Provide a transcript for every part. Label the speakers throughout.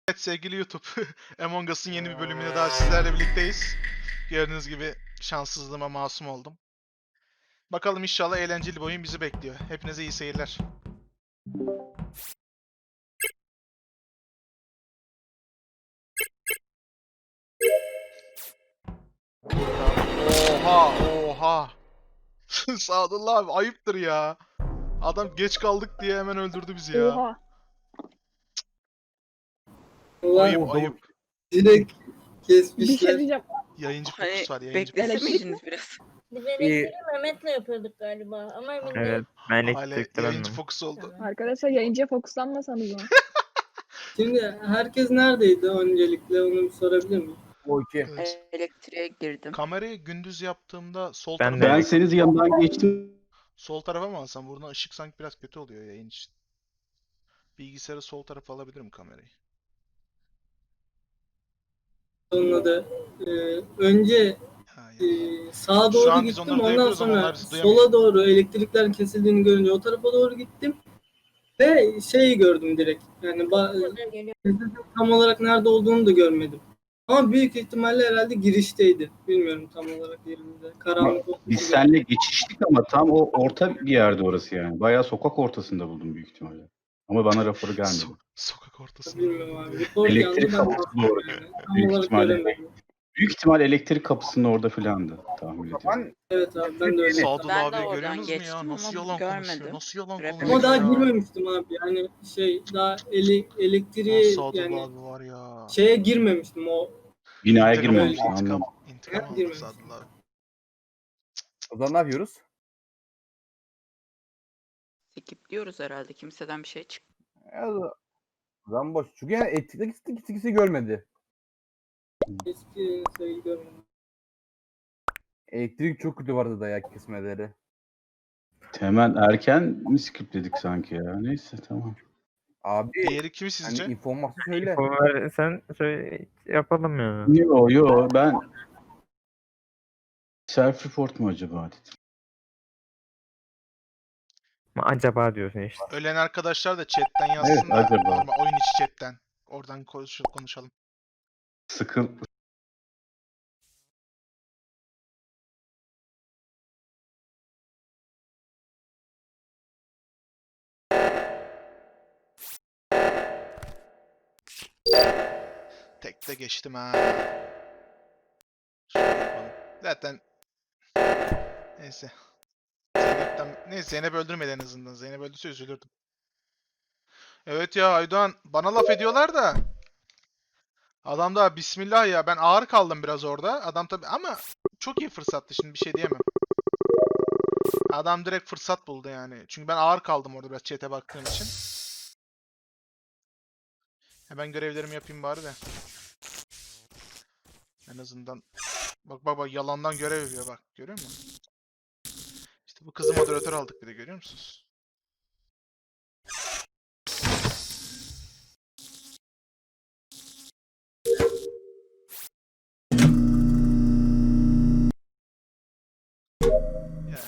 Speaker 1: Evet sevgili YouTube, Among Us'ın yeni bir bölümüne daha sizlerle birlikteyiz. Gördüğünüz gibi şanssızlığıma masum oldum. Bakalım inşallah eğlenceli bir oyun bizi bekliyor. Hepinize iyi seyirler. Oha, oha. Sadullah abi ayıptır ya. Adam geç kaldık diye hemen öldürdü bizi ya.
Speaker 2: Oha.
Speaker 1: Ayıp,
Speaker 3: Ulan
Speaker 1: ayıp.
Speaker 3: direkt
Speaker 2: Bir şey
Speaker 3: kesmişler.
Speaker 2: diyeceğim.
Speaker 1: Yayıncı
Speaker 4: Hani
Speaker 1: fokus var, yayıncı
Speaker 4: beklese
Speaker 1: fokus.
Speaker 4: miydiniz biraz?
Speaker 5: Biz elektriği Mehmet'le yapıyorduk galiba ama emin
Speaker 6: Evet,
Speaker 5: değilim.
Speaker 6: ben
Speaker 1: Hala
Speaker 6: elektrikte
Speaker 1: yayıncı
Speaker 6: bendim.
Speaker 1: fokus oldu.
Speaker 2: Arkadaşlar yayıncıya fokuslanmasanız mı?
Speaker 3: Şimdi herkes neredeydi öncelikle onu bir sorabilir miyim?
Speaker 1: Evet.
Speaker 4: Elektriğe girdim.
Speaker 1: Kamerayı gündüz yaptığımda sol
Speaker 6: Ben
Speaker 1: tarafa
Speaker 6: de
Speaker 1: mı
Speaker 7: Ben
Speaker 1: alsam?
Speaker 7: senin yanından geçtim.
Speaker 1: Sol tarafa mı alsam? Buradan ışık sanki biraz kötü oluyor yayın için. Bilgisayarı sol tarafa alabilirim kamerayı.
Speaker 3: Onunla da önce
Speaker 1: Ha,
Speaker 3: sağa
Speaker 1: Şu
Speaker 3: doğru
Speaker 1: an biz
Speaker 3: gittim,
Speaker 1: onları
Speaker 3: ondan
Speaker 1: duyabiliyoruz ama
Speaker 3: sonra
Speaker 1: onlar bizi duyamıyor.
Speaker 3: sola doğru elektriklerin kesildiğini görünce o tarafa doğru gittim ve şeyi gördüm direkt. Yani
Speaker 5: Geliyor.
Speaker 3: tam olarak nerede olduğunu da görmedim. Ama büyük ihtimalle herhalde girişteydi. Bilmiyorum tam olarak yerinde. Karanlık olduğu
Speaker 7: Biz
Speaker 3: için.
Speaker 7: seninle geçiştik ama tam o orta bir yerde orası yani. Bayağı sokak ortasında buldum büyük ihtimalle. Ama bana raporu gelmedi.
Speaker 1: Sokak ortasında.
Speaker 3: Bilmiyorum abi. Report
Speaker 7: Elektrik
Speaker 3: geldi, ben
Speaker 7: kapısı
Speaker 3: baktım
Speaker 7: doğru.
Speaker 3: yani. Tam
Speaker 7: Büyük
Speaker 3: olarak
Speaker 7: ihtimalle.
Speaker 3: göremedim.
Speaker 7: Büyük ihtimal elektrik kapısının orada filandı tahmin ediyorum.
Speaker 3: Evet abi ben de öyle.
Speaker 1: Sadullah
Speaker 4: Ben de
Speaker 1: abi
Speaker 4: oradan
Speaker 1: görüyorsunuz mu ya?
Speaker 4: geçtim
Speaker 1: Nasıl
Speaker 4: ama
Speaker 1: yalan konuşuyor?
Speaker 4: görmedim.
Speaker 1: Nasıl yalan
Speaker 4: Report
Speaker 1: konuşuyor?
Speaker 3: Ama daha
Speaker 4: ya.
Speaker 3: girmemiştim abi. Yani daha
Speaker 1: Lan
Speaker 3: elektriğe
Speaker 1: Sadullah
Speaker 3: yani
Speaker 1: abi var ya.
Speaker 3: şeye girmemiştim o.
Speaker 7: Binaya
Speaker 1: İntikam
Speaker 7: girmemişsin
Speaker 1: aldı, intikam.
Speaker 7: anladım.
Speaker 1: İntikam aldı
Speaker 3: Girmemiş.
Speaker 1: Sadullah abi.
Speaker 6: O zaman ne yapıyoruz?
Speaker 4: Skipliyoruz herhalde. Kimseden bir şey çık.
Speaker 6: O zaman boş. Çünkü yani elektrikteki ikisi görmedi.
Speaker 3: Eski sayıyı görmedim.
Speaker 6: Elektrik çok kötü vardı da ya kesmeleri.
Speaker 7: Hemen erken mi skipledik sanki ya? Neyse tamam.
Speaker 6: Abi
Speaker 1: Diğeri kim sizce?
Speaker 6: hani infom varsa söyle.
Speaker 8: Sen şöyle yapalım ya.
Speaker 7: Yo ben self report mu acaba dedim.
Speaker 8: Ama acaba diyorsun işte.
Speaker 1: Ölen arkadaşlar da chatten yazsın da.
Speaker 7: acaba.
Speaker 1: Normal oyun içi chatten. Oradan konuşalım.
Speaker 7: Sıkıl
Speaker 1: Tekte geçtim ha. Şöyle yapalım. Zaten neyse. Neyse Zeynep öldürmedi en azından. Zeynep öldürse üzülürdüm. Evet ya Aydoğan bana laf ediyorlar da. Adam da bismillah ya ben ağır kaldım biraz orada. Adam tabi ama çok iyi fırsattı şimdi bir şey diyemem. Adam direkt fırsat buldu yani. Çünkü ben ağır kaldım orada biraz chat'e baktığım için. Hemen görevlerimi yapayım bari de. En azından. Bak yalandan görev yapıyor bak. Görüyor musun? İşte bu kızı moderatör aldık bir de görüyor musunuz? Ya.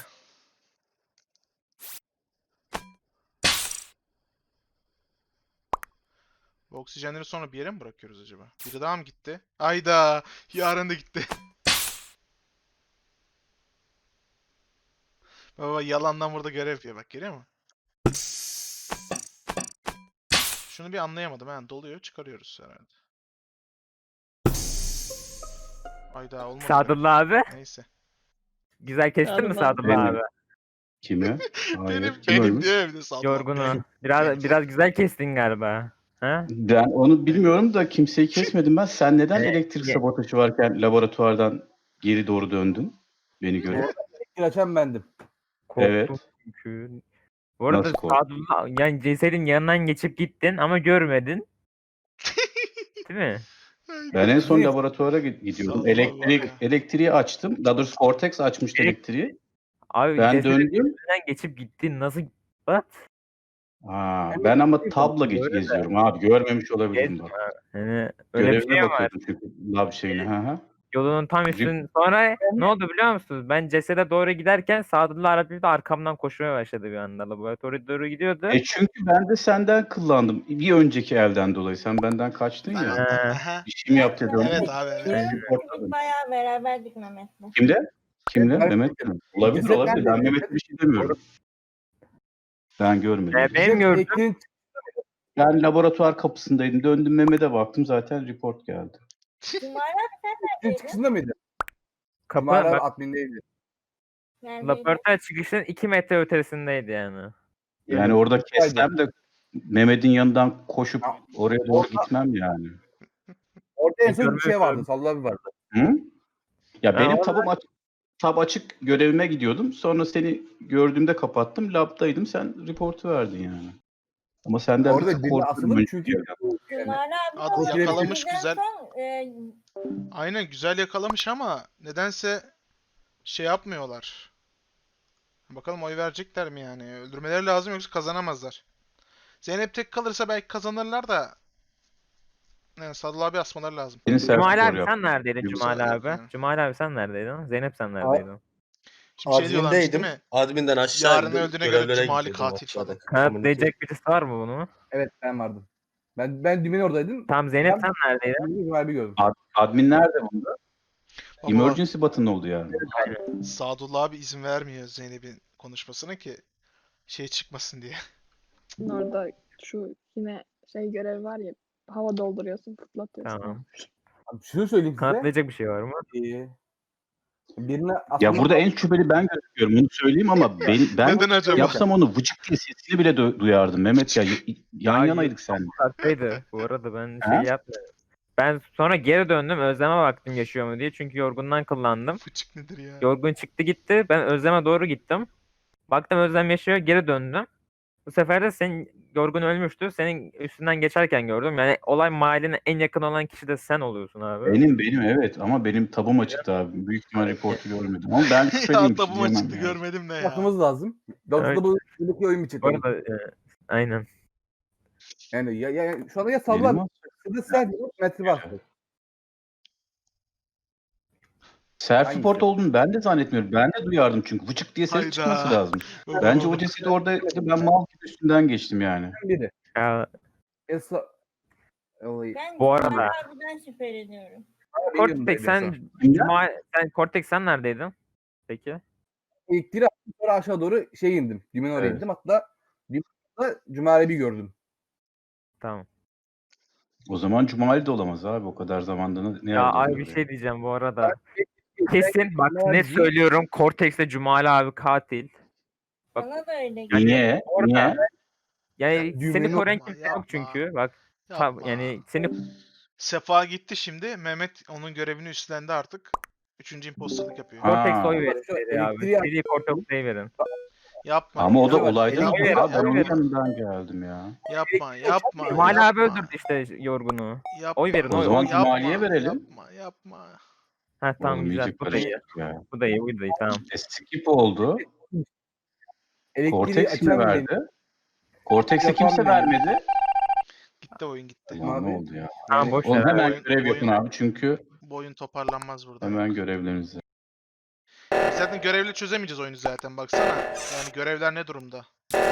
Speaker 1: Bu oksijenleri sonra bir yere mi bırakıyoruz acaba? Biri daha mı gitti? Ayda yarın da gitti. Baba yalandan burada görev yapıyor bak görüyor musun? Şunu bir anlayamadım ha. Doluyor çıkarıyoruz herhalde. Ayda olmadı.
Speaker 8: Sadullah abi.
Speaker 1: Neyse.
Speaker 8: Güzel kestin mi
Speaker 2: Sadullah.
Speaker 8: Sadullah abi?
Speaker 7: kimi? Hayır.
Speaker 1: Benim
Speaker 7: Kim ölmüş?
Speaker 1: diyor evde Sadullah.
Speaker 8: Yorgunu. Biraz güzel kestin galiba. Ha?
Speaker 7: Ben onu bilmiyorum da kimseyi kesmedim ben. Sen neden elektrik
Speaker 8: ye-
Speaker 7: sabotajı varken laboratuvardan geri doğru döndün? Beni görüp.
Speaker 6: Elektrik açan bendim.
Speaker 8: Korktum
Speaker 7: Evet.
Speaker 8: çünkü. Bu arada
Speaker 7: Nasıl korktun?
Speaker 8: Sadullah yani cesedin yanından geçip gittin ama görmedin. Değil mi?
Speaker 7: Ben en son laboratuvara gidiyordum.
Speaker 1: Sadullah ya.
Speaker 7: Elektriği açtım. Daha doğrusu Cortex açmıştı elektriği.
Speaker 8: Abi
Speaker 7: Ben
Speaker 8: cesedin
Speaker 7: döndüm.
Speaker 8: yanından geçip gittin. Nasıl? What?
Speaker 7: Ben ama tabla geziyorum abi. Görmemiş olabilirim bak.
Speaker 8: Yani öyle bir
Speaker 7: Görevime
Speaker 8: şey var.
Speaker 7: bakıyordum çünkü lab şeyine. Hı hı.
Speaker 8: Yolunun tam üstün. Sonra ne oldu biliyor musunuz? Ben cesede doğru giderken Sadullah Arabi de arkamdan koşmaya başladı bir anda. Laboratuvara doğru gidiyordu.
Speaker 7: Çünkü ben de senden kullandım. Bir önceki elden dolayı. Sen benden kaçtın ya.
Speaker 1: Aha.
Speaker 7: Bir şey mi yaptı dedim.
Speaker 1: Evet abi evet.
Speaker 7: Reportladım.
Speaker 5: Bayağı beraberdik Mehmet'le.
Speaker 7: Kimde? Kimde?
Speaker 6: Ben-
Speaker 7: Mehmet'le mi? Olabilir
Speaker 6: Ceset
Speaker 7: olabilir.
Speaker 6: nerede?
Speaker 7: Ben Mehmet'e bir şey demiyorum. Ben görmedim.
Speaker 8: Benim gördüğüm
Speaker 6: Elektriğin
Speaker 7: Ben laboratuvar kapısındaydım. Döndüm Mehmet'e baktım. Zaten report geldi.
Speaker 5: Cumali abi sen neredeydin?
Speaker 6: çıkışında mıydı?
Speaker 8: kapı
Speaker 6: Mağara
Speaker 8: bak,
Speaker 6: admindeydi.
Speaker 5: Neredeydin?
Speaker 8: laboratuvar çıkışının 2 metre ötesindeydi yani.
Speaker 7: Yani orada kessem de Mehmet'in yanından koşup oraya doğru gitmem yani.
Speaker 6: Orada en son bir
Speaker 8: Görmüyorum.
Speaker 6: şey vardı. Sallı abi vardı.
Speaker 7: Hı? Ya benim
Speaker 8: orada-
Speaker 7: tab açık görevime gidiyordum. Sonra seni gördüğümde kapattım. Lab'daydım. Sen reportu verdin yani. Ama senden
Speaker 6: Orada
Speaker 7: bir tık
Speaker 6: birine
Speaker 7: korkuyorum.
Speaker 6: asıldım
Speaker 7: önce
Speaker 6: çünkü
Speaker 7: yerden.
Speaker 5: Cumali abi
Speaker 1: Adı
Speaker 5: o
Speaker 1: yakalamış
Speaker 5: bizden
Speaker 1: güzel.
Speaker 5: son,
Speaker 1: Aynen güzel yakalamış ama nedense şey yapmıyorlar. Bakalım oy verecekler mi yani? Öldürmeleri lazım yoksa kazanamazlar. Zeynep tek kalırsa belki kazanırlar da yani Sadullah abi asmaları lazım.
Speaker 7: Seni
Speaker 8: Cumali
Speaker 7: self-report
Speaker 8: abi
Speaker 7: yap.
Speaker 8: sen neredeydin
Speaker 7: Yoksa
Speaker 8: Cumali
Speaker 1: yok
Speaker 8: abi?
Speaker 1: yani.
Speaker 8: Cumali abi sen neredeydin? Zeynep sen neredeydin?
Speaker 1: Şimdi şey diyorlarmış değil
Speaker 9: Admindeydim.
Speaker 1: mi?
Speaker 9: Adminden aşağı
Speaker 1: Yarın
Speaker 9: indim.
Speaker 1: öldüğüne göre
Speaker 9: Görevlere
Speaker 1: Cumali
Speaker 9: gidiyordum
Speaker 1: katil
Speaker 9: aşağıda.
Speaker 1: falan.
Speaker 8: Kanıtlayacak birisi var mı bunu?
Speaker 6: Evet ben vardım. Ben düğmenin oradaydım.
Speaker 8: Tamam Zeynep
Speaker 6: Ben-
Speaker 8: sen neredeydin?
Speaker 6: Cumali abi gördüm.
Speaker 7: Admin nerede bunda?
Speaker 1: Baba,
Speaker 7: Emergency button oldu yani.
Speaker 1: Sadullah abi izin vermiyor Zeynep'in konuşmasına ki şey çıkmasın diye.
Speaker 2: Orada şu yine şey görev var ya, hava dolduruyorsun, fırlatıyorsun.
Speaker 8: Tamam.
Speaker 6: Abi şunu söyleyeyim size.
Speaker 8: Kanıtlayacak bir şey var mı?
Speaker 6: Birine
Speaker 7: Ya burada en şüpheli ben gözüküyorum. Bunu söyleyeyim ama ben
Speaker 1: Neden acaba?
Speaker 7: yapsam onu vıcık diye sesini bile duyardım. Mehmet ya yan
Speaker 8: Ya,
Speaker 7: yanaydık seninle.
Speaker 8: Uzaktaydı bu arada ben
Speaker 7: Ha?
Speaker 8: şey yapmadım. Ben sonra geri döndüm Özlem'e baktım yaşıyor mu diye çünkü yorgundan kullandım.
Speaker 1: Fıçık nedir ya?
Speaker 8: Yorgun çıktı gitti ben Özlem'e doğru gittim. Baktım Özlem yaşıyor geri döndüm. Bu sefer de senin Yorgun ölmüştü. Senin üstünden geçerken gördüm. Yani olay mahalline en yakın olan kişi de sen oluyorsun abi.
Speaker 7: Benim evet ama benim tabum açıktı abi. Büyük ihtimal reportu görmedim. Ama ben
Speaker 1: Ya
Speaker 7: şüpheliyim.
Speaker 1: tabum açıktı görmedim ne ya.
Speaker 6: yapmamız lazım. Yoksa
Speaker 8: Evet.
Speaker 6: bu buradaki oyun biçim.
Speaker 8: Bu arada aynen.
Speaker 6: Yani şu anda ya Sallı abi. Ya da sen metre var.
Speaker 7: Self report
Speaker 6: Hangisi?
Speaker 7: olduğunu ben de zannetmiyorum. Ben de duyardım çünkü vıcık diye ses
Speaker 1: Hayda.
Speaker 7: çıkması lazım.
Speaker 1: Baba,
Speaker 7: Bence
Speaker 1: baba.
Speaker 7: o cesedi orada ben mal gibi üstünden geçtim yani.
Speaker 6: Biri.
Speaker 8: Ya,
Speaker 6: Olayı.
Speaker 5: Ben
Speaker 8: Bu
Speaker 5: Cumali
Speaker 8: arada-
Speaker 5: abiden şüpheleniyorum.
Speaker 8: Cortex sen Cortex sen neredeydin? Peki.
Speaker 6: İlk attım sonra aşağı doğru şey indim. Düğmenin oraya
Speaker 7: Evet.
Speaker 6: indim. Hatta Cumali abi gördüm.
Speaker 8: Tamam.
Speaker 7: O zaman Cumali de olamaz abi. O kadar zamanda ne
Speaker 8: Ya
Speaker 7: yapacağız
Speaker 8: abi bir
Speaker 7: oraya?
Speaker 8: şey diyeceğim bu arada. Kesin bak
Speaker 6: Cumali-
Speaker 8: net söylüyorum Cortex'le Cumali abi katil. Bak-
Speaker 5: Bana da öyle
Speaker 7: Ya
Speaker 5: geliyor.
Speaker 7: niye?
Speaker 8: Orada-
Speaker 7: Niye?
Speaker 8: Yani
Speaker 6: düğmenin
Speaker 8: seni koruyan
Speaker 1: yapma,
Speaker 8: kimse yok
Speaker 1: yapma.
Speaker 8: çünkü. Bak
Speaker 1: Yapma.
Speaker 8: yani seni
Speaker 1: Sefa gitti şimdi. Mehmet onun görevini üstlendi artık. Üçüncü imposterlık yapıyor.
Speaker 7: Ha.
Speaker 8: Cortex oy verin
Speaker 6: Şu
Speaker 8: seri abi.
Speaker 6: elektriği-
Speaker 8: Seri Cortex'e verin.
Speaker 1: Yapma.
Speaker 7: Ama o da
Speaker 1: yapma,
Speaker 7: olaydan
Speaker 1: yapma,
Speaker 8: Oy
Speaker 7: abi. Ben
Speaker 8: verin,
Speaker 7: onun
Speaker 8: oy verin.
Speaker 7: yanından geldim ya.
Speaker 1: Yapma, yapma.
Speaker 8: Cumali abi
Speaker 1: yapma,
Speaker 8: öldürdü işte Yorgun'u.
Speaker 1: yapma.
Speaker 8: Oy verin,
Speaker 7: O
Speaker 8: oy,
Speaker 7: zaman
Speaker 8: oy.
Speaker 7: Cumali'ye verelim.
Speaker 1: Yapma.
Speaker 8: Ha tamam
Speaker 7: Oğlum
Speaker 8: güzel.
Speaker 7: iyice
Speaker 8: Bu da iyi.
Speaker 7: karıştık ya.
Speaker 8: Bu da iyi, bu da iyi tamam.
Speaker 7: Skip oldu.
Speaker 6: Elektriği
Speaker 7: Cortex mi
Speaker 6: açan
Speaker 7: verdi? Cortex'e
Speaker 6: Yapan
Speaker 7: kimse
Speaker 6: benim.
Speaker 7: vermedi.
Speaker 1: Gitti oyun gitti.
Speaker 7: Ulan
Speaker 6: Abi.
Speaker 7: ne oldu ya?
Speaker 8: Tamam boş
Speaker 7: Oğlum
Speaker 8: ver.
Speaker 7: hemen
Speaker 1: Oyun-
Speaker 7: görev yapın
Speaker 1: oyun-
Speaker 7: abi çünkü
Speaker 1: Bu oyun toparlanmaz burada.
Speaker 7: hemen görevlerinizi.
Speaker 1: Zaten görevle çözemeyeceğiz oyunu zaten baksana. Yani görevler ne durumda?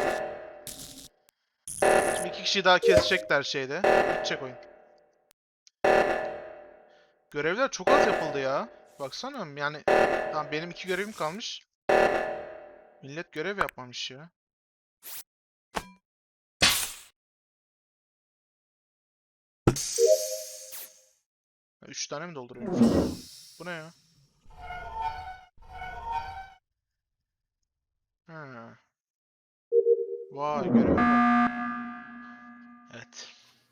Speaker 1: Şimdi 2 kişi daha kesecekler şeyde. Bitecek oyun. Görevler çok az yapıldı ya. Baksana yani tamam benim 2 görevim kalmış. Millet görev yapmamış ya. Ya 3 tane mi dolduruyormuş? Bu ne ya? Ha. Vay görev var. Evet.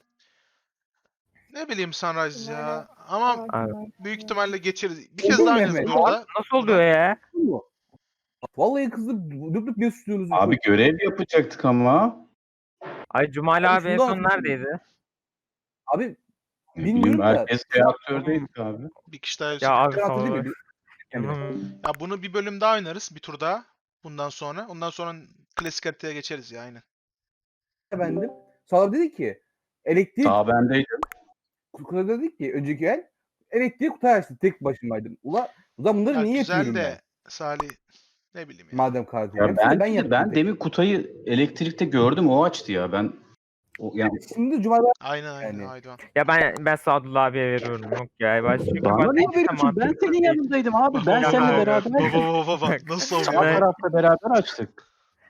Speaker 1: Ne bileyim Sunrise ya. Ama
Speaker 8: Abi.
Speaker 1: büyük ihtimalle geçeriz. Bir kez
Speaker 6: Olur
Speaker 1: daha
Speaker 6: mu
Speaker 1: oynarız
Speaker 6: Mehmet?
Speaker 1: burada.
Speaker 8: Nasıl oluyor ya?
Speaker 6: Vallahi kızım durup ne susuyorsunuz?
Speaker 7: Abi görev yapacaktık ama.
Speaker 8: Ay Cumali
Speaker 6: Abi
Speaker 8: abi en
Speaker 6: şunu
Speaker 8: son
Speaker 6: anlatayım.
Speaker 8: neredeydi?
Speaker 6: Abi
Speaker 7: Ne
Speaker 6: Bilmiyorum
Speaker 7: bileyim
Speaker 6: da.
Speaker 7: herkes reaktördeydik abi.
Speaker 1: Bir kişi daha
Speaker 8: Ya abi
Speaker 6: Rahat
Speaker 8: sonra.
Speaker 6: değil mi? Yani,
Speaker 1: Ya bunu bir bölüm daha oynarız. Bir tur daha. Bundan sonra. Ondan sonra klasik haritaya geçeriz ya aynen.
Speaker 6: efendim. Sonra dedi ki elektrik
Speaker 7: Sağ bendeydim.
Speaker 6: Kukla dedik ki önceki el elektriği Kutay açtı. Tek başımaydım. Ulan bunları
Speaker 1: Ya
Speaker 6: niye
Speaker 1: güzel
Speaker 6: yapıyorum ben?
Speaker 1: de Salih ne bileyim ya.
Speaker 6: Madem katil.
Speaker 7: Ya
Speaker 6: Hepsini
Speaker 7: ben
Speaker 6: yaptım.
Speaker 7: demin Kutay'ı elektrikte gördüm, o açtı ya. Yani
Speaker 6: Şimdi Cumali
Speaker 1: Aynen
Speaker 6: Yani.
Speaker 1: Aydoğan.
Speaker 8: Ya ben Sadullah abiye veriyorum. Yok ya. Çünkü
Speaker 7: bana
Speaker 8: bak,
Speaker 7: niye
Speaker 8: hiç de
Speaker 7: veriyorsun? Ben
Speaker 8: mantıklı
Speaker 7: senin
Speaker 8: değil.
Speaker 7: yanındaydım abi.
Speaker 1: Bak,
Speaker 7: Ben
Speaker 1: bak,
Speaker 7: seninle
Speaker 1: bak,
Speaker 7: beraber
Speaker 1: bak. Nasıl
Speaker 7: sağ
Speaker 1: oluyor?
Speaker 7: tarafta beraber açtık.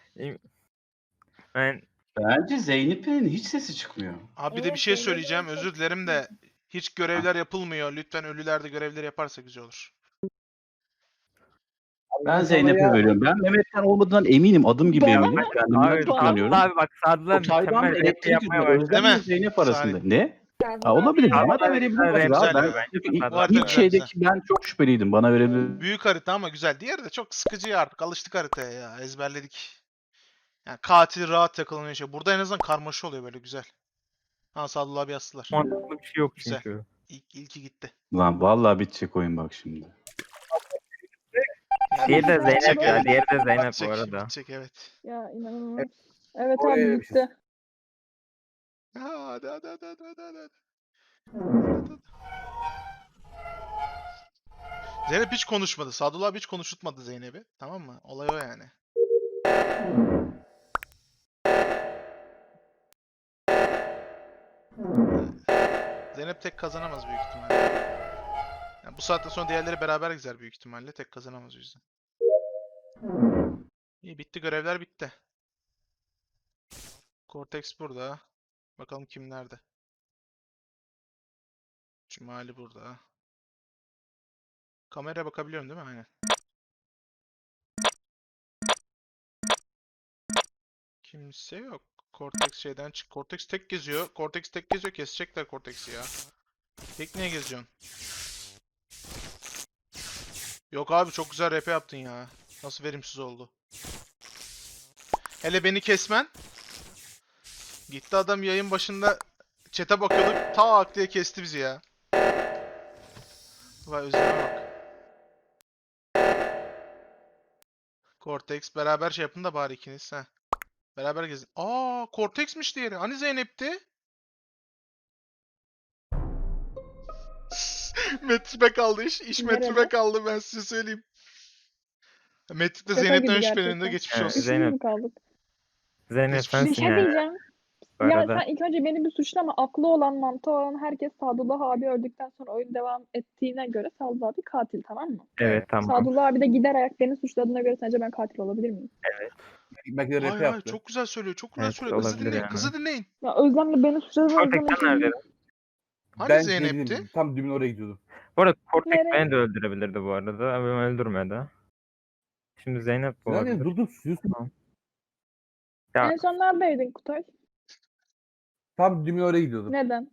Speaker 8: Ben
Speaker 7: Bence Zeynep'in hiç sesi çıkmıyor.
Speaker 1: Abi bir de bir
Speaker 5: Evet,
Speaker 1: şey
Speaker 5: Zeynep'in
Speaker 1: söyleyeceğim.
Speaker 5: çok
Speaker 1: Özür dilerim de hiç görevler yapılmıyor. Lütfen ölüler de görevleri yaparsa güzel olur.
Speaker 7: Ben Zeynep'e veriyorum. Ben Mehmet'ten olmadığından eminim. Adım gibi
Speaker 5: Bana
Speaker 7: eminim.
Speaker 5: mı?
Speaker 7: Kendimden
Speaker 8: abi
Speaker 7: çok inanıyorum.
Speaker 8: Sadullah abi bak Sadullah
Speaker 7: Kutay'dan
Speaker 8: mükemmel
Speaker 7: da
Speaker 8: RP
Speaker 7: elektrik
Speaker 8: yapmaya
Speaker 7: yüzünden
Speaker 8: başladı.
Speaker 7: Özlem
Speaker 1: Değil
Speaker 7: ile
Speaker 1: mi?
Speaker 7: Zeynep arasında.
Speaker 1: Salih.
Speaker 7: Ne?
Speaker 5: Sadullah
Speaker 7: Ha, olabilir.
Speaker 5: abi-
Speaker 7: Bana da
Speaker 8: Sadullah
Speaker 7: verebilirsiniz
Speaker 8: güzel
Speaker 7: abi.
Speaker 1: ya.
Speaker 7: Ben
Speaker 8: Bence
Speaker 7: çünkü
Speaker 8: Sadullah
Speaker 1: Var da
Speaker 7: ilk
Speaker 1: güzel,
Speaker 7: şeydeki ben çok şüpheliydim. Bana verebilir.
Speaker 1: Büyük harita ama güzel. Diğeri de çok sıkıcı ya artık. Alıştık haritaya ya. Ezberledik. Yani katil rahat takılıyor şey. Burada en azından karmaşa oluyor böyle güzel. Ha Sadullah abi astılar.
Speaker 8: Mantıklı bir şey yok
Speaker 1: Güzel.
Speaker 8: çünkü.
Speaker 1: İlki gitti.
Speaker 7: Lan vallahi bitecek oyun bak şimdi.
Speaker 1: Yani
Speaker 8: Diğeri de
Speaker 1: bitecek,
Speaker 8: Zeynep ya.
Speaker 1: evet.
Speaker 8: Diğeri de Zeynep bu
Speaker 1: Bitecek,
Speaker 8: arada.
Speaker 1: bitecek evet.
Speaker 2: Ya inanılmaz. Evet
Speaker 6: Oraya
Speaker 2: abi
Speaker 6: bir şey-
Speaker 2: bitti.
Speaker 1: Hadi. Zeynep hiç konuşmadı. Sadullah abi hiç konuşutmadı Zeynep'i. Tamam mı? Olay o yani. Zeynep tek kazanamaz büyük ihtimalle. Yani bu saatten sonra diğerleri beraber gider büyük ihtimalle. Tek kazanamaz o yüzden. İyi bitti, görevler bitti. Cortex burada. Bakalım kim nerede. Cumali burada. Kameraya bakabiliyorum değil mi? Aynen. Kimse yok. Cortex şeyden çık. Cortex tek geziyor. Cortex tek geziyor. Kesecekler Cortex'i ya. Tek niye geziyorsun? Yok abi çok güzel rap yaptın ya. Nasıl verimsiz oldu. Hele beni kesmen. Gitti adam yayın başında chat'e bakıyorduk. Tak diye kesti bizi ya. Vay özleme bak. Cortex beraber şey yapın da bari ikiniz. Heh. Beraber gezin. Aa, Cortex'miş diğeri. Hani Zeynep'ti? Metrime kaldı iş. İş
Speaker 2: Nerede?
Speaker 1: metrime kaldı ben size söyleyeyim. Metrik'te
Speaker 2: Şaka
Speaker 1: Zeynep'ten
Speaker 2: gibi
Speaker 1: şüpheleniyor.
Speaker 2: gerçekten.
Speaker 1: Geçmiş
Speaker 8: Evet,
Speaker 1: olsun.
Speaker 2: İkimiz
Speaker 8: Zeynep.
Speaker 2: mi kaldık?
Speaker 8: Zeynep
Speaker 1: Hiçbir şey
Speaker 2: Bir
Speaker 8: sensin
Speaker 2: şey
Speaker 8: ya.
Speaker 2: diyeceğim.
Speaker 8: Bu
Speaker 2: Ya
Speaker 8: arada.
Speaker 2: sen ilk önce beni bir suçlama. Aklı olan, mantığı olan herkes Sadullah abi öldükten sonra oyun devam ettiğine göre Sadullah abi katil, tamam mı?
Speaker 8: Evet tamam.
Speaker 2: Sadullah abi de gider ayak beni suçladığına göre sence ben katil olabilir miyim?
Speaker 6: belki de rap
Speaker 1: Hayır hayır
Speaker 6: yaptı.
Speaker 1: çok güzel söylüyor. Çok güzel
Speaker 8: Evet,
Speaker 1: söylüyor. Kızı
Speaker 8: olabilir
Speaker 1: dinleyin.
Speaker 8: yani.
Speaker 1: Kızı dinleyin.
Speaker 2: Ya Özlem'le beni suçladığına
Speaker 8: Cortex
Speaker 2: Özlem'in
Speaker 8: sen neredeydin?
Speaker 1: Hani
Speaker 6: Ben
Speaker 1: Zeynep'ti?
Speaker 6: dedim, tam dümün oraya gidiyordum.
Speaker 8: Bu arada Cortex
Speaker 2: Nereye?
Speaker 8: beni de öldürebilirdi bu arada. Ama beni öldürmedi. Şimdi Zeynep bu
Speaker 6: Yani
Speaker 8: olabilir.
Speaker 6: dur sus.
Speaker 8: Ya
Speaker 2: En son neredeydin Kutay?
Speaker 6: Tam dümün oraya gidiyordum.
Speaker 2: Neden?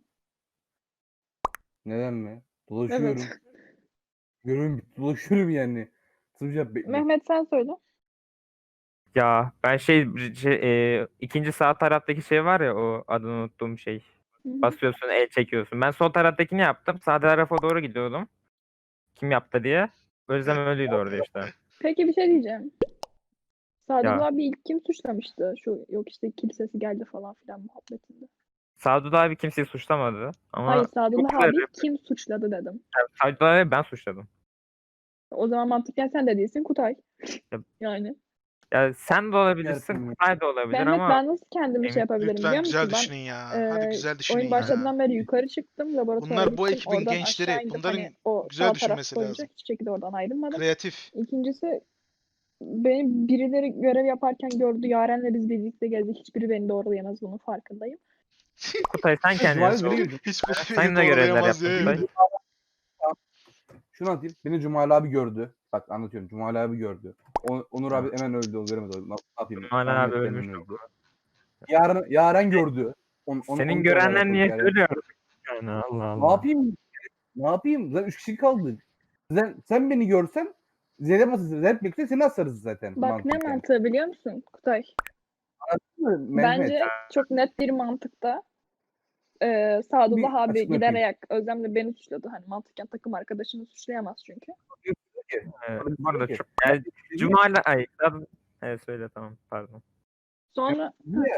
Speaker 6: Neden mi? Dolaşıyorum.
Speaker 2: Evet.
Speaker 6: Görüyorum dolaşıyorum yani. Sıvıca
Speaker 2: Mehmet sen söyle.
Speaker 8: ya ben ikinci sağ taraftaki şey var ya, o adını unuttuğum şey.
Speaker 2: Hı hı.
Speaker 8: Basıyorsun, el çekiyorsun. Ben sol taraftakini yaptım. Sağ tarafa doğru gidiyordum. Kim yaptı diye. Özlem öldüydü orada işte.
Speaker 2: Peki bir şey diyeceğim. Sadullah
Speaker 8: Ya.
Speaker 2: abi ilk kim suçlamıştı? Şu yok işte kilisesi geldi falan filan muhabbetinde.
Speaker 8: Sadullah abi kimseyi suçlamadı. Ama
Speaker 2: Hayır
Speaker 8: çok
Speaker 2: Sadullah
Speaker 8: güzel
Speaker 2: abi
Speaker 8: rap.
Speaker 2: kim suçladı dedim.
Speaker 8: Sadullah abi ben suçladım.
Speaker 2: O zaman mantıken sen de değilsin Kutay.
Speaker 8: Ya-
Speaker 2: Yani.
Speaker 8: Ya sen de olabilirsin,
Speaker 6: Yardım.
Speaker 8: Kutay da olabilir
Speaker 2: Mehmet
Speaker 8: ama
Speaker 2: ben nasıl kendimi şey
Speaker 8: Emin-
Speaker 2: yapabilirim
Speaker 1: Lütfen
Speaker 2: biliyor
Speaker 1: güzel
Speaker 2: musun?
Speaker 1: düşünün ya.
Speaker 2: Ben
Speaker 1: Hadi güzel düşünün
Speaker 2: oyun
Speaker 1: ya.
Speaker 2: başladığından beri yukarı çıktım. Laboratuvara
Speaker 1: Bunlar bu
Speaker 2: gittim.
Speaker 1: ekibin
Speaker 2: Oradan
Speaker 1: gençleri.
Speaker 2: aşağı indim.
Speaker 1: Bunların
Speaker 2: Hani o
Speaker 1: güzel
Speaker 2: sağ taraf
Speaker 1: düşünmesi
Speaker 2: boyunca
Speaker 1: lazım.
Speaker 2: hiçbir şekilde oradan ayrılmadım.
Speaker 1: Kreatif.
Speaker 2: İkincisi benim birileri görev yaparken gördü. Yaren'le biz birlikte gezdik. Hiçbiri beni doğrulayamaz, bunun farkındayım.
Speaker 8: Kutay sen kendini
Speaker 6: Cumali
Speaker 8: sor.
Speaker 6: nereye gidiyorsun?
Speaker 1: Hiç bu
Speaker 8: Sen de görevler
Speaker 1: doğrulayamaz
Speaker 8: yaptın
Speaker 1: diye.
Speaker 8: Kutay.
Speaker 6: Şunu anlatayım. Beni Cumali abi gördü. Bak anlatıyorum. Cumali abi gördü. Onur abi hemen öldü. O göremedi. Ne yapayım?
Speaker 8: Cumali
Speaker 6: Tahmin
Speaker 8: abi
Speaker 6: et,
Speaker 8: ölmüş
Speaker 6: hemen öldü. Yaren gördü.
Speaker 8: Senin
Speaker 6: onu
Speaker 8: görenler
Speaker 6: alakalı
Speaker 8: niye
Speaker 6: yani.
Speaker 8: söylüyor artık? Yani Allah Allah.
Speaker 6: Ne yapayım? Ne yapayım? Zaten 3 kişi kaldık. Sen beni görsen Zeynep asılsın. Zeynep bekle seni asarız zaten.
Speaker 2: Bak ne
Speaker 6: mantıken.
Speaker 2: mantığı biliyor musun Kutay?
Speaker 6: Mehmet.
Speaker 2: Bence çok net bir mantıkta Sadullah
Speaker 6: Bir
Speaker 2: abi
Speaker 6: açıklama
Speaker 2: gider
Speaker 6: yapayım.
Speaker 2: ayak Özlem'le beni suçladı. Hani mantıken takım arkadaşını suçlayamaz çünkü.
Speaker 8: Bu arada
Speaker 6: Peki.
Speaker 8: çok... Yani, Cumali... Ay, evet söyle tamam pardon.
Speaker 2: Sonra
Speaker 6: Niye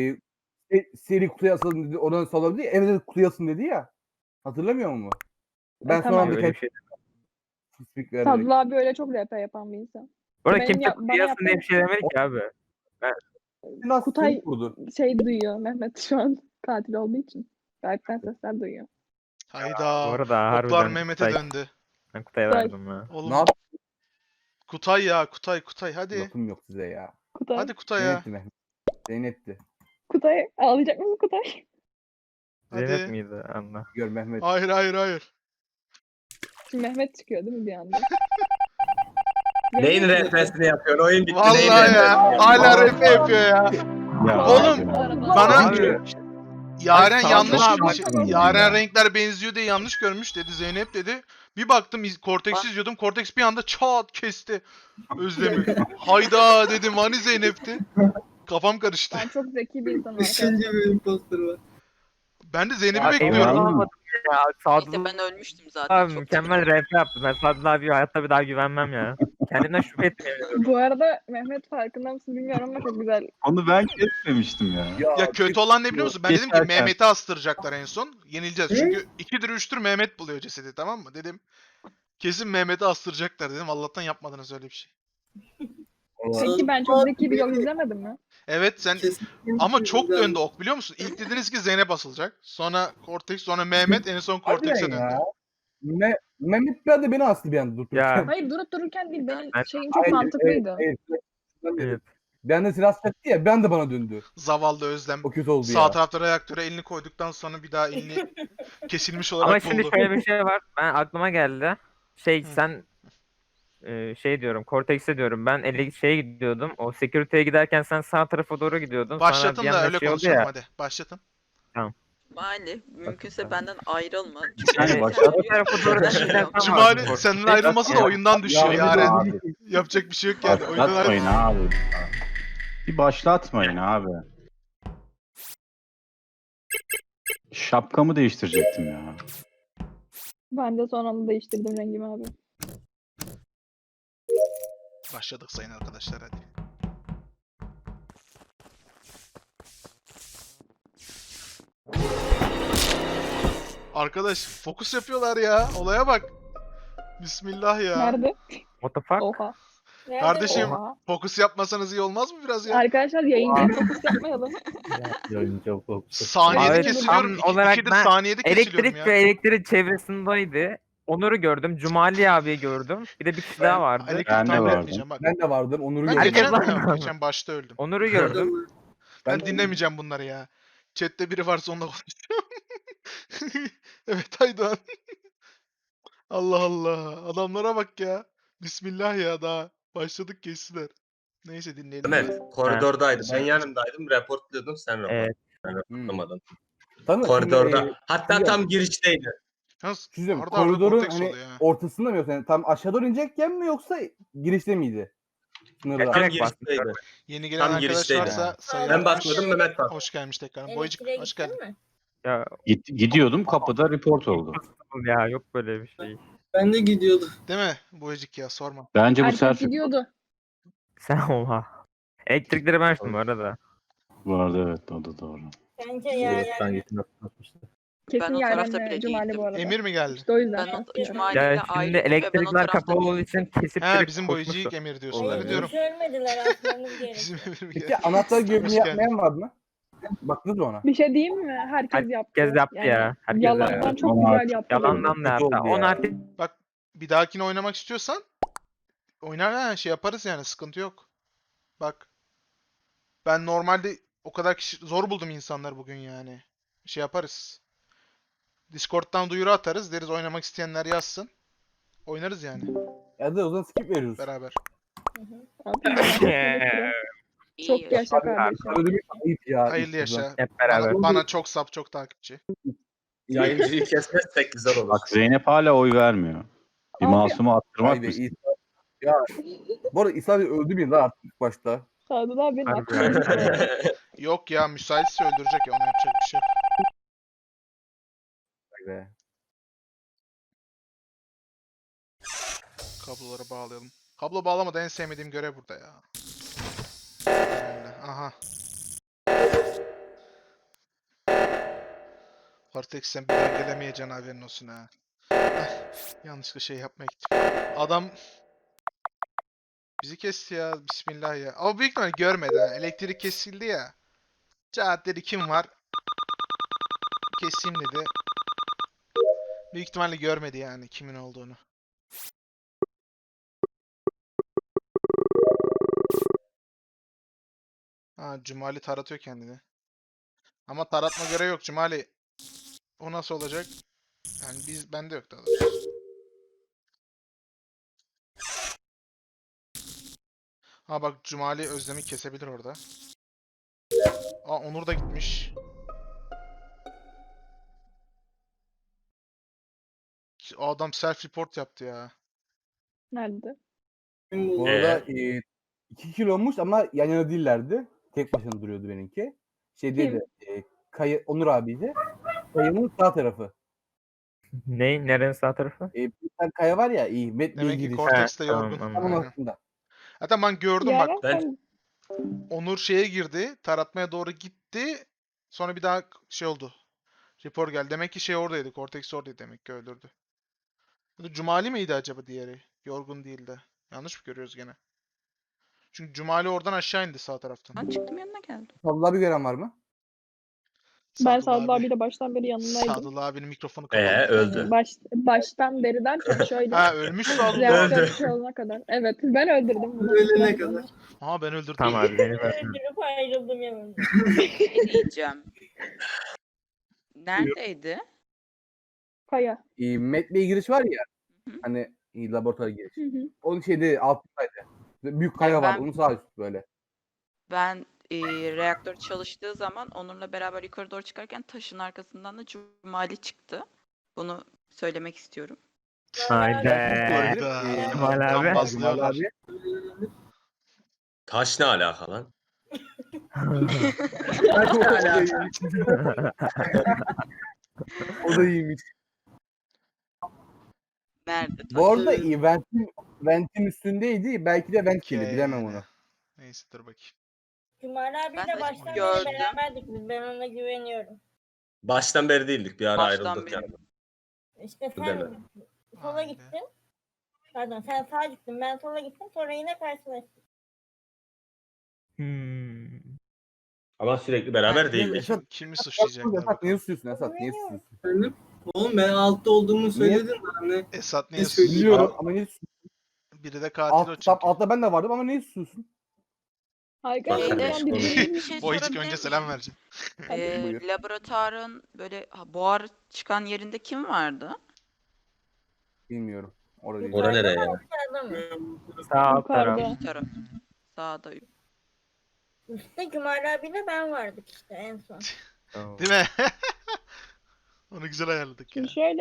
Speaker 6: seri kutuya asalım dedi. Oradan salabilir. Evde kutuya asın dedi ya. Hatırlamıyor musun? Ben son
Speaker 2: tamam.
Speaker 6: anda
Speaker 8: Öyle bir şey.
Speaker 6: tespit vererek.
Speaker 2: Sadullah abi öyle çok RP yapan bir insan.
Speaker 8: Bu arada
Speaker 2: Benim
Speaker 8: kimse
Speaker 2: bana
Speaker 8: kutlayasın diye bir şey demedi ki abi.
Speaker 6: Nasıl
Speaker 2: Kutay
Speaker 6: kurdu?
Speaker 2: şey duyuyor. Mehmet şu an katil olduğu için. Gayetten sesler duyuyor.
Speaker 8: Bu
Speaker 1: Hayda.
Speaker 8: arada
Speaker 1: Oklar
Speaker 8: harbiden
Speaker 1: Mehmet'e
Speaker 8: Kutay,
Speaker 1: döndü.
Speaker 8: ben Kutay'a
Speaker 2: Kutay.
Speaker 8: verdim ha.
Speaker 1: Oğlum
Speaker 6: Ne yap?
Speaker 1: Kutay ya Kutay hadi.
Speaker 6: Lafım yok size ya.
Speaker 2: Kutay.
Speaker 1: Hadi Kutay ya.
Speaker 6: Zeynep'ti Mehmet. Zeynep'ti.
Speaker 2: Kutay ağlayacak mısın Kutay?
Speaker 8: Zeynep
Speaker 1: Hadi.
Speaker 8: miydi? Allah.
Speaker 6: Gör Mehmet.
Speaker 1: Hayır.
Speaker 2: Şimdi Mehmet çıkıyor değil mi bir anda?
Speaker 9: Neyin
Speaker 2: Mehmet-
Speaker 9: rehbersini yapıyorsun? Oyun bitti.
Speaker 1: Vallahi
Speaker 9: neyin
Speaker 1: ya.
Speaker 9: rehbersini
Speaker 1: Hala
Speaker 9: yapıyorsun?
Speaker 1: RP yapıyor ya.
Speaker 7: Ya
Speaker 1: Oğlum,
Speaker 7: abi.
Speaker 1: Bana
Speaker 8: Abi,
Speaker 1: Yaren
Speaker 8: Ay,
Speaker 1: yanlış
Speaker 8: Sadullah
Speaker 1: şey-
Speaker 2: abi.
Speaker 1: Yaren renkler benziyor diye yanlış görmüş dedi Zeynep dedi. Bir baktım Cortex izliyordum. Cortex bir anda çat kesti Özlem'i. Hayda dedim hani Zeynep'ti. Kafam karıştı.
Speaker 2: Ben çok zeki bir insanım arkadaşlar.
Speaker 3: Üçüncü bir imposter var.
Speaker 1: Ben de Zeynep'i
Speaker 8: abi, emin
Speaker 1: bekliyorum.
Speaker 8: olamadım ya.
Speaker 4: İşte
Speaker 8: Sadullah
Speaker 4: ben ölmüştüm zaten.
Speaker 8: abi
Speaker 4: Çok
Speaker 8: mükemmel rap yaptı. Ben Sadullah abi hayatta bir daha güvenmem ya. Kendimden şüphe etmiyorum.
Speaker 2: Bu arada Mehmet farkında mısın bilmiyorum ama çok güzel.
Speaker 7: Onu ben kesmemiştim ya.
Speaker 1: Ya kötü olan ne biliyor musun? Ben dedim ki
Speaker 7: Geçerken.
Speaker 1: Mehmet'i astıracaklar en son. Yenileceğiz. Çünkü 2'dir 3'tür Mehmet buluyor cesedi, tamam mı? Dedim kesin Mehmet'i astıracaklar dedim. Allah'tan yapmadınız öyle bir şey.
Speaker 2: Peki ben çok zeki bir yol izlemedim mi?
Speaker 1: Evet sen
Speaker 3: Kesinlikle
Speaker 1: ama çok
Speaker 3: güzel.
Speaker 1: döndü ok biliyor musun? İlk dediniz ki Zeynep asılacak. Sonra Cortex, sonra Mehmet, en son Cortex'e
Speaker 6: Harbiden
Speaker 1: döndü.
Speaker 6: ya. Mehmet bir de beni astı bir anda durup
Speaker 8: Ya.
Speaker 6: dururken.
Speaker 2: Hayır durup dururken değil benim
Speaker 8: Ben-
Speaker 2: şeyim çok mantıklıydı.
Speaker 6: Evet.
Speaker 8: Evet.
Speaker 6: Bir anda silah çaktı ya bir anda bana döndü.
Speaker 1: Zavallı Özlem.
Speaker 6: O kötü oldu
Speaker 1: Sağ
Speaker 6: ya.
Speaker 1: tarafta reaktöre elini koyduktan sonra bir daha elini kesilmiş olarak
Speaker 8: Ama şimdi
Speaker 1: buldu.
Speaker 8: şöyle bir şey var. Ben aklıma geldi. Şey
Speaker 1: Hı.
Speaker 8: sen şey diyorum, Cortex'e diyorum. Ben şeye gidiyordum. O security'ye giderken sen sağ tarafa doğru gidiyordun. Sonra
Speaker 1: Başlatın
Speaker 8: bir
Speaker 1: da
Speaker 8: anda
Speaker 1: öyle
Speaker 8: şey oldu
Speaker 1: konuşalım
Speaker 8: ya.
Speaker 1: hadi. Başlatın.
Speaker 4: Cumali mümkünse benden ayrılma.
Speaker 8: Yani
Speaker 4: Çünkü
Speaker 7: başlat.
Speaker 8: o tarafa doğru gideceksen sen
Speaker 1: Cumali
Speaker 8: varsın
Speaker 1: senin
Speaker 8: Cortex'e.
Speaker 1: ayrılması da oyundan düşüyor
Speaker 6: Ya,
Speaker 1: Yaren.
Speaker 6: abi.
Speaker 1: Yapacak bir şey yok yani. Oyundan
Speaker 7: Başlatmayın
Speaker 1: ayrıl.
Speaker 7: abi. Bir başlatmayın abi. Şapkamı değiştirecektim ya.
Speaker 2: Ben de son anda değiştirdim rengimi abi.
Speaker 1: Başladık sayın arkadaşlar hadi. Arkadaş fokus yapıyorlar ya. Olaya bak. Bismillah ya.
Speaker 2: Nerede?
Speaker 8: What the fuck?
Speaker 2: Oha.
Speaker 5: Nerede
Speaker 1: Kardeşim,
Speaker 5: bu?
Speaker 2: Oha.
Speaker 1: Fokus yapmasanız iyi olmaz mı biraz ya?
Speaker 2: Arkadaşlar yayıncıya fokus yapmayalım.
Speaker 1: Saniyede
Speaker 8: Evet,
Speaker 1: kesiliyorum.
Speaker 8: tam olarak
Speaker 1: İkidir
Speaker 8: ben
Speaker 1: saniyede kesiliyorum
Speaker 8: Elektrik
Speaker 1: ya.
Speaker 8: ve elektrik çevresindeydi. Onur'u gördüm. Cumali abiyi gördüm. Bir de bir kişi daha vardı.
Speaker 1: Elektrik
Speaker 7: Ben de
Speaker 1: tahmin
Speaker 7: vardım.
Speaker 1: etmeyeceğim bak.
Speaker 6: Ben de vardım Onur'u
Speaker 1: Ben
Speaker 6: gördüm.
Speaker 1: geçen,
Speaker 8: Herkes
Speaker 1: yok,
Speaker 8: var.
Speaker 1: geçen başta öldüm.
Speaker 8: Onur'u gördüm.
Speaker 1: Ben
Speaker 6: Ben-
Speaker 1: dinlemeyeceğim bunları ya. Chat'te biri varsa onunla konuşacağım. Evet Aydoğan. Allah Allah. Adamlara bak ya. Bismillah ya daha. Başladık geçtiler. Neyse dinleyelim.
Speaker 9: Mehmet koridordaydı. Ben
Speaker 1: Sen-
Speaker 9: yanındaydım. Reportluyordum. Sen
Speaker 8: Evet.
Speaker 9: reportlamadın.
Speaker 6: Tanı,
Speaker 9: Koridorda.
Speaker 6: şimdi,
Speaker 9: Hatta
Speaker 6: şimdi-
Speaker 9: tam girişteydi.
Speaker 1: Yalnız
Speaker 6: Şimdi
Speaker 1: arada arada
Speaker 6: koridorun
Speaker 1: Cortex
Speaker 6: hani
Speaker 1: oluyor ha.
Speaker 6: ortasında mı yoksa yani tam aşağı doğru inecekken mi yoksa girişte miydi? Sınırda.
Speaker 8: Evet.
Speaker 9: Tam
Speaker 8: Direkt bastım.
Speaker 9: girişteydi.
Speaker 1: Yeni gelen
Speaker 9: tam
Speaker 1: arkadaş
Speaker 9: girişteydi.
Speaker 1: varsa sayılar.
Speaker 9: Ben basmadım Mehmet bastı.
Speaker 1: Hoş gelmiş tekrar. Boyacık
Speaker 5: Elektriğe
Speaker 1: hoş
Speaker 5: gittin
Speaker 1: geldin.
Speaker 5: mi?
Speaker 8: Ya
Speaker 7: Gidiyordum kapıda report oldu.
Speaker 8: ya yok böyle bir şey.
Speaker 3: Ben de gidiyordum.
Speaker 1: Değil mi? Boyacık ya sorma.
Speaker 7: Bence bu
Speaker 2: Herkes
Speaker 7: selfie
Speaker 2: gidiyordu.
Speaker 8: Sen oha. Elektrikleri ben açtım bu arada.
Speaker 7: bu arada evet o da doğru.
Speaker 5: Bence ya.
Speaker 2: Kesin
Speaker 4: o tarafta
Speaker 2: Yaren'le
Speaker 4: bile
Speaker 2: Cumali
Speaker 4: değildim.
Speaker 2: bu arada.
Speaker 1: Emir mi geldi?
Speaker 2: İşte o yüzden.
Speaker 4: Ben o
Speaker 2: bahsediyorum.
Speaker 4: Cumali ile
Speaker 8: Ya şimdi
Speaker 4: ayrıydım ve ben o
Speaker 8: elektrikler
Speaker 4: tarafta
Speaker 8: kapalı olduğu için kesip
Speaker 1: He
Speaker 8: direkt
Speaker 1: bizim
Speaker 8: koşmuştum.
Speaker 1: boyacı ilk Emir diyorsun.
Speaker 5: Hayır,
Speaker 1: Öyle diyorum.
Speaker 5: hiç ölmediler aslanım
Speaker 1: Bizim
Speaker 5: gerekiyor.
Speaker 1: Emir mi
Speaker 6: Peki
Speaker 1: geldi?
Speaker 6: anahtar görevini
Speaker 1: Hoş geldin.
Speaker 6: yapmayan var mı? Baktınız mı ona?
Speaker 2: Bir şey diyeyim mi? Herkes yaptı.
Speaker 8: Herkes yaptı ya. Herkes
Speaker 2: Yalandan
Speaker 8: yaptı.
Speaker 2: çok
Speaker 7: Ama
Speaker 2: güzel yaptı.
Speaker 8: Yalandan da
Speaker 6: Kötü
Speaker 8: yaptı.
Speaker 6: oldu
Speaker 8: On
Speaker 6: ya.
Speaker 8: artık
Speaker 1: Bak bir dahakine oynamak istiyorsan oynar ha şey yaparız yani sıkıntı yok. Bak ben normalde o kadar kişi zor buldum insanlar bugün yani. Şey yaparız. Discord'dan duyuru atarız deriz oynamak isteyenler yazsın. Oynarız yani
Speaker 6: Ya da o zaman skip veriyoruz.
Speaker 1: beraber.
Speaker 4: İyi.
Speaker 2: Çok yaşa kardeşim.
Speaker 6: Öyle bir ayıp ya.
Speaker 1: Hayırlı
Speaker 6: İşte
Speaker 1: yaşa.
Speaker 8: hep beraber.
Speaker 1: Bana çok sap çok takipçi.
Speaker 9: Yayıncıyı kesmezsek güzel olur.
Speaker 7: Bak Zeynep hala oy vermiyor. Bir
Speaker 2: Abi-
Speaker 7: masumu attırmak
Speaker 6: Vay be,
Speaker 7: mı?
Speaker 6: İsa. Ya bu arada İsa bir öldü bir daha artık ilk başta.
Speaker 2: Sadullah abi ne
Speaker 8: Harbi
Speaker 2: yapıyorsun?
Speaker 1: Yok ya müsaitse öldürecek ya ona yapacak bir şey yok.
Speaker 6: Vay be.
Speaker 1: Kabloları bağlayalım. Kablo bağlamada en sevmediğim görev burada ya. Öyle. Aha. Cortex sen bir daha gelemeyeceksin haberin olsun ha. Yanlışlıkla şey yapmaya gittim. Adam bizi kesti ya. Bismillah ya. Ama büyük ihtimalle görmedi ha. Elektrik kesildi ya. Cahat dedi kim var? Keseyim dedi. Büyük ihtimalle görmedi yani kimin olduğunu. Ha, Cumali taratıyor kendini. Ama taratma görevi yok Cumali. O nasıl olacak? Yani bende yok daha doğrusu. Ha bak Cumali Özlem'i kesebilir orada. Aa Onur da gitmiş. O adam self report yaptı ya.
Speaker 2: Nerede?
Speaker 3: Kim
Speaker 6: Bu
Speaker 3: buldu?
Speaker 6: arada 2 kilommuş ama yan yana değillerdi. Tek başına duruyordu benimki. Şeydeydi. Onur abiydi. Kayanın sağ tarafı.
Speaker 8: Nerenin sağ tarafı?
Speaker 6: Bir tane kaya var ya Met Bey
Speaker 1: Demek ki
Speaker 6: giriş.
Speaker 1: Cortex'te
Speaker 8: tamam,
Speaker 1: yorgun.
Speaker 8: anladım.
Speaker 6: Tam onun
Speaker 1: Aynen.
Speaker 6: altında.
Speaker 1: Hatta ben gördüm bak.
Speaker 2: Yaren
Speaker 9: Ben-
Speaker 2: sen
Speaker 1: Onur şeye girdi. Taratmaya doğru gitti. Sonra bir daha şey oldu. Report geldi. Demek ki şey oradaydı. Cortex oradaydı demek ki öldürdü. Ya da Cumali miydi acaba diğeri? Yorgun değildi. Yanlış mı görüyoruz gene? Çünkü Cumali oradan aşağı indi sağ taraftan.
Speaker 4: Ben çıktım yanına geldim.
Speaker 6: Sadullah bir gören var mı?
Speaker 2: ben
Speaker 1: Sadullah
Speaker 2: Sadullah
Speaker 1: abi.
Speaker 2: abiyle baştan beri yanındaydım.
Speaker 1: Sadullah abinin mikrofonu kapalı.
Speaker 9: Öldü.
Speaker 2: Baştan beri derken şöyle
Speaker 1: Ha ölmüş Sadullah.
Speaker 2: reaktör
Speaker 9: Öldü.
Speaker 2: şey olana kadar. Evet ben öldürdüm bunu.
Speaker 3: Ölene kadar.
Speaker 1: Aa ben öldürdüm.
Speaker 8: Tamam abi beni ver.
Speaker 5: Öldürüp ayrıldım yanımda.
Speaker 4: Ne diyeceğim? Neredeydi?
Speaker 2: Kaya.
Speaker 6: Met Bey giriş var ya.
Speaker 4: Hı hı.
Speaker 6: Hani laboratuvar giriş.
Speaker 2: Hı hı.
Speaker 6: Onun şeyde altındaydı. Büyük kaya var.
Speaker 4: Ben-
Speaker 6: Onun sağ üstü böyle.
Speaker 4: Ben reaktör çalıştığı zaman Onur'la beraber yukarı doğru çıkarken taşın arkasından da Cumali çıktı. Bunu söylemek istiyorum.
Speaker 8: Haydi.
Speaker 1: Hayda.
Speaker 8: Cemal abi.
Speaker 1: Gambazlıyorlar.
Speaker 6: Abi.
Speaker 9: Taş ne alaka lan?
Speaker 6: O da iyiymiş.
Speaker 4: Nerede?
Speaker 6: Bu arada
Speaker 3: Evet.
Speaker 6: Vent'in üstündeydi. Belki de Vent
Speaker 1: Okey
Speaker 6: geldi. Bilemem
Speaker 1: yani.
Speaker 6: onu.
Speaker 1: Neyse dur bakayım.
Speaker 5: Cumali
Speaker 4: Ben
Speaker 5: abiyle
Speaker 4: de
Speaker 5: baştan
Speaker 4: gördüm.
Speaker 5: beri beraberdik biz. Ben ona güveniyorum.
Speaker 9: Baştan beri değildik. Bir ara
Speaker 4: Baştan
Speaker 9: ayrıldık
Speaker 4: beri.
Speaker 9: yani.
Speaker 5: İşte
Speaker 9: Değil mi?
Speaker 5: sen sola
Speaker 1: Vay be.
Speaker 5: gittin. Pardon sen sağa gittin. Ben sola gittim. Sonra yine karşılaştık.
Speaker 8: Hmm.
Speaker 9: Ama sürekli beraber
Speaker 1: Yani
Speaker 9: değildik.
Speaker 1: kimi suçlayacaklar
Speaker 6: Esat niye
Speaker 1: bakalım.
Speaker 6: susuyorsun Esat? Niye susuyorsun?
Speaker 3: Efendim? Oğlum ben altta olduğumu söyledim de hani.
Speaker 1: Esat niye
Speaker 3: Ne söyleyeyim?
Speaker 1: susuyor?
Speaker 6: Biliyorum ama niye susuyorsun?
Speaker 1: Biri de katil o çünkü.
Speaker 6: Altta ben de vardım ama niye susuyorsun?
Speaker 2: Harika.
Speaker 9: Bak-
Speaker 2: Ben
Speaker 4: Bir şey
Speaker 1: Boyacık
Speaker 4: sorabilir
Speaker 1: önce
Speaker 4: miyim?
Speaker 1: selam vereceğim.
Speaker 6: Buyur.
Speaker 4: Laboratuvarın böyle buhar çıkan yerinde kim vardı?
Speaker 6: Bilmiyorum. Orada değil.
Speaker 9: Ora nereye ya?
Speaker 5: Aşağıda mı?
Speaker 8: Sağ alt taraf.
Speaker 2: Yukarıda.
Speaker 4: Üst taraf. Sağda.
Speaker 5: Üstte Cumali abiyle ben vardık işte en son.
Speaker 8: Tamam.
Speaker 1: Değil mi? Onu güzel ayarladık ya.
Speaker 2: Şimdi şöyle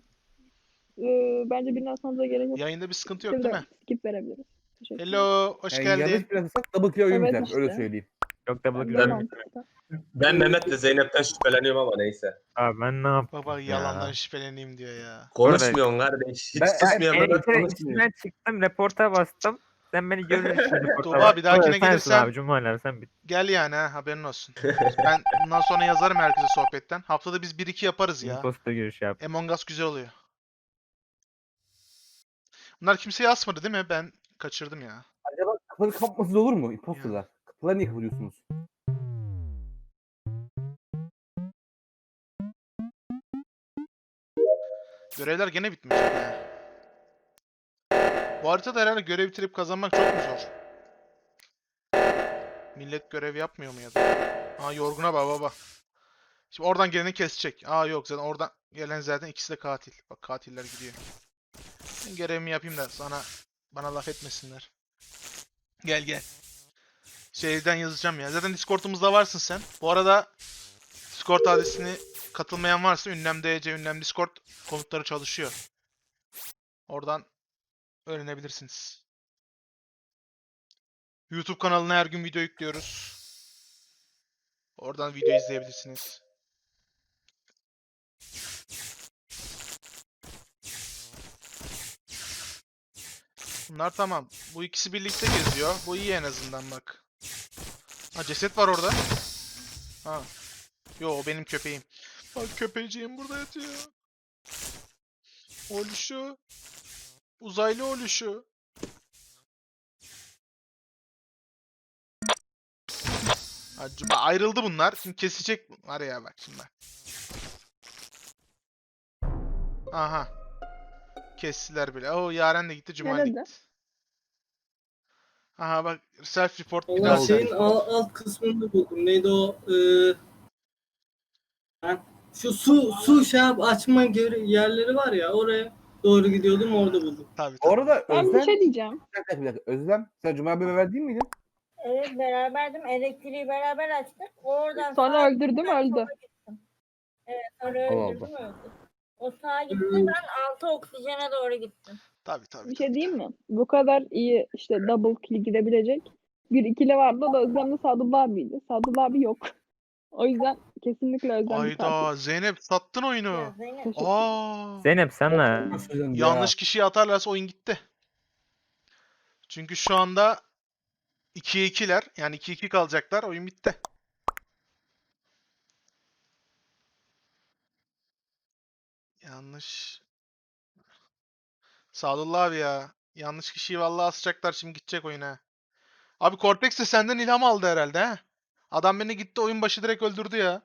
Speaker 2: bence birini asmanıza gerek yok.
Speaker 1: Yayında bir sıkıntı yok değil mi?
Speaker 2: Skip verebiliriz. Teşekkür ederim.
Speaker 1: Hello, hoş
Speaker 6: Yani
Speaker 1: geldin.
Speaker 6: yanlış biraz Esat double kill oyun
Speaker 2: Evet
Speaker 6: biter. Öyle
Speaker 2: işte.
Speaker 6: söyleyeyim.
Speaker 8: Yok da
Speaker 2: Ben de
Speaker 8: bakıyorum.
Speaker 2: mantıklı.
Speaker 9: Ben Mehmet'le Zeynep'ten şüpheleniyorum ama neyse.
Speaker 8: Abi ben ne yaptım
Speaker 1: Baba
Speaker 8: ya?
Speaker 1: yalandan şüpheleneyim diyor ya.
Speaker 9: Konuşmuyorsun kardeş. Hiç
Speaker 6: Ben-
Speaker 9: susmuyor
Speaker 8: Ben
Speaker 9: Mehmet konuşmuyor.
Speaker 8: içinden çıktım, reporta bastım. Sen beni görürsün reporta
Speaker 1: Tuğba,
Speaker 8: bastım.
Speaker 1: bir dahakine
Speaker 8: Sensin
Speaker 1: gelirsen-
Speaker 8: abi Cumali abi sen bit.
Speaker 1: Gel yani ha haberin olsun. Ben bundan sonra yazarım herkese sohbetten. Haftada biz 1-2 yaparız ya.
Speaker 8: Imposter görüşü yap.
Speaker 1: Among Us güzel oluyor. Bunlar kimseye asmadı değil mi? Ben kaçırdım ya.
Speaker 6: Acaba kapıları kapatmasız olur mu? Imposterlar. Kapıları niye kapatıyorsunuz?
Speaker 1: Görevler gene bitmiş ya. Bu haritada herhalde görev bitirip kazanmak çok mu zor? Millet görev yapmıyor mu ya da? Aa yorguna bak baba. Şimdi oradan geleni kesecek. Aa yok zaten oradan gelen zaten ikisi de katil. Bak katiller gidiyor. Ben görevimi yapayım da bana laf etmesinler. Gel gel. Şeyden yazacağım ya. Zaten Discord'umuzda varsın sen. Bu arada Discord adresini katılmayan varsa ünlem DC, ünlem Discord komutları çalışıyor. Oradan öğrenebilirsiniz. YouTube kanalına her gün video yüklüyoruz. Oradan video izleyebilirsiniz. Bunlar tamam. Bu ikisi birlikte geziyor. Bu iyi en azından bak. Ha ceset var orada. Ha. Yo o benim köpeğim. Bak köpeğciğim burada yatıyor. Oluşu. Uzaylı oluşu. Acaba ayrıldı bunlar. Şimdi kesecek var ya bak şimdi. Aha. Kestiler bile. Oo Yaren de gitti. Cumali
Speaker 2: Nerede?
Speaker 1: gitti. Aha bak self report bir
Speaker 3: Allah
Speaker 1: daha
Speaker 3: şeyin
Speaker 1: self
Speaker 3: alt kısmında buldum. Neydi o? Şu su şey açma yerleri var ya, oraya doğru gidiyordum, orada buldum.
Speaker 1: Tabii
Speaker 6: Bu
Speaker 1: tabii.
Speaker 6: arada
Speaker 2: Ben bir
Speaker 6: Özlem,
Speaker 2: şey diyeceğim.
Speaker 6: bir dakika. Özlem, sen Cuma abi beraber değil miydin?
Speaker 5: Evet beraberdim. Elektriği beraber açtık. Oradan
Speaker 2: Sonra
Speaker 5: sağa
Speaker 2: öldürdüm
Speaker 5: gittim, ben
Speaker 2: öldü.
Speaker 5: sola gittim. Evet sonra
Speaker 6: Allah
Speaker 5: öldürdüm öldü. O sağa gitti, ben altı oksijene doğru gittim.
Speaker 1: Tabii tabii.
Speaker 2: Bir şey diyeyim mi? Bu kadar iyi işte double kill gidebilecek bir ikili vardı. O da Özlem'le Sadullah abiydi. Sadullah abi yok. O yüzden kesinlikle Özlem bir katil.
Speaker 1: Ayda Zeynep sattın
Speaker 5: Ya
Speaker 1: oyunu.
Speaker 5: Zeynep.
Speaker 2: Teşekkür
Speaker 1: Aa.
Speaker 8: Zeynep senle.
Speaker 1: Yanlış kişiyi atarlarsa oyun gitti. Çünkü şu anda 2'ye 2'ler. Yani 2-2 kalacaklar. Oyun bitti. Yanlış. Sadullah abi ya. Yanlış kişiyi vallahi asacaklar şimdi gidecek oyuna. Abi Cortex de senden ilham aldı herhalde ha. Adam beni gitti oyun başı direkt öldürdü ya.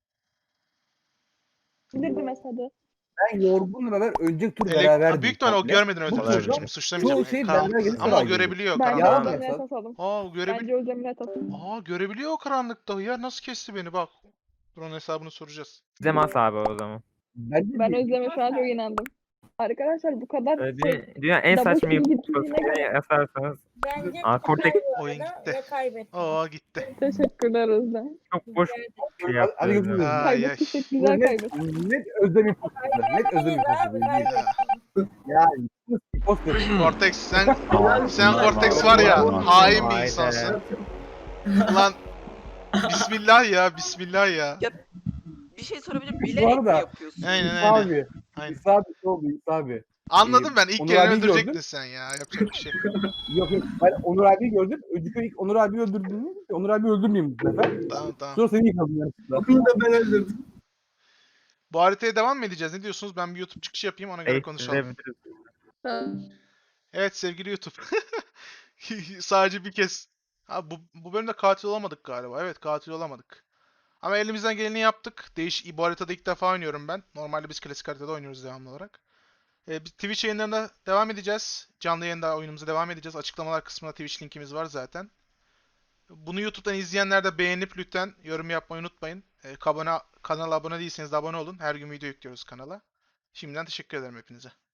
Speaker 2: Bilirdim Esad'ı.
Speaker 6: Ben Yorgun'la beraber önceki tur
Speaker 1: Büyük
Speaker 6: beraberdim.
Speaker 1: ihtimal o
Speaker 6: komple.
Speaker 1: görmedin öyle
Speaker 6: Bu
Speaker 1: tabii çocuğu.
Speaker 6: turda
Speaker 1: Şimdi suçlamayacağım.
Speaker 6: çoğu şey
Speaker 1: Karanlık.
Speaker 6: beraber gelip
Speaker 1: Ama o
Speaker 6: saray
Speaker 1: görebiliyor
Speaker 2: Bence
Speaker 6: Yalan
Speaker 1: karanlıkta.
Speaker 6: mı?
Speaker 2: Özlem'le esas alın.
Speaker 1: Aa görebiliyor.
Speaker 2: Bence Özlem'le esas alın.
Speaker 1: Aa görebiliyor o karanlıkta ya. Nasıl kesti beni bak. Dur onun hesabını soracağız.
Speaker 8: Zemas abi o zaman.
Speaker 6: Bence
Speaker 2: Ben
Speaker 6: de-
Speaker 2: Özlem'e şu an çok inandım. Arkadaşlar bu kadar
Speaker 8: Dünya en
Speaker 2: double
Speaker 8: saçma
Speaker 2: kill
Speaker 8: yapı
Speaker 2: gittiğine göre
Speaker 8: yazarsanız
Speaker 5: Bence
Speaker 8: Aa, Cortex-
Speaker 5: tutar bu
Speaker 1: Oyun
Speaker 5: arada
Speaker 1: gitti.
Speaker 5: ve kaybetti.
Speaker 1: Aa gitti.
Speaker 2: teşekkürler Özlem.
Speaker 8: çok boş bir şey yaptı.
Speaker 6: Hadi görüşürüz.
Speaker 8: Özlem.
Speaker 1: Ay, ay.
Speaker 2: Kaybettiysek güzel
Speaker 6: net,
Speaker 2: kaybettik.
Speaker 6: net Özlem imposter. Net Özlem imposter.
Speaker 1: Ya.
Speaker 6: Yani imposter.
Speaker 1: Cortex sen Cortex var ya hain bir insansın. Ulan Bismillah ya Bismillah ya.
Speaker 4: Bir şey sorabilir miyim? Bilerek mi
Speaker 6: arada-
Speaker 4: yapıyorsun?
Speaker 1: Aynen aynen.
Speaker 6: Abi.
Speaker 1: Aynen.
Speaker 6: İsa abi ne oldu İsa abi?
Speaker 1: Anladım ben ilk
Speaker 6: Onur
Speaker 1: kere
Speaker 6: abiyi
Speaker 1: öldürecektin
Speaker 6: gördüm.
Speaker 1: sen ya. Yapacak bir şey.
Speaker 6: Yok ben Onur abiyi gördüm. Önceki ilk Onur abiyi öldürdüm. Onur abiyi öldürmeyeyim bu sefer.
Speaker 1: Tamam tamam.
Speaker 6: Sonra seni yakaladım yanlışlıkla.
Speaker 3: Onu da ben öldürdüm.
Speaker 1: Bu haritaya devam mı edeceğiz? Ne diyorsunuz? Ben bir YouTube çıkışı yapayım ona göre konuşalım.
Speaker 8: Değiştirebiliriz.
Speaker 1: Evet sevgili YouTube. Sadece bir kez. Ha, bu bölümde katil olamadık galiba. Evet katil olamadık. Ama elimizden geleni yaptık. Bu haritada ilk defa oynuyorum ben. Normalde biz klasik haritada oynuyoruz devamlı olarak. Biz Twitch yayınlarına devam edeceğiz. Canlı yayında oyunumuza devam edeceğiz. Açıklamalar kısmında Twitch linkimiz var zaten. Bunu YouTube'dan izleyenler de beğenip lütfen yorum yapmayı unutmayın. Kanala abone değilseniz de abone olun. Her gün video yüklüyoruz kanala. Şimdiden teşekkür ederim hepinize.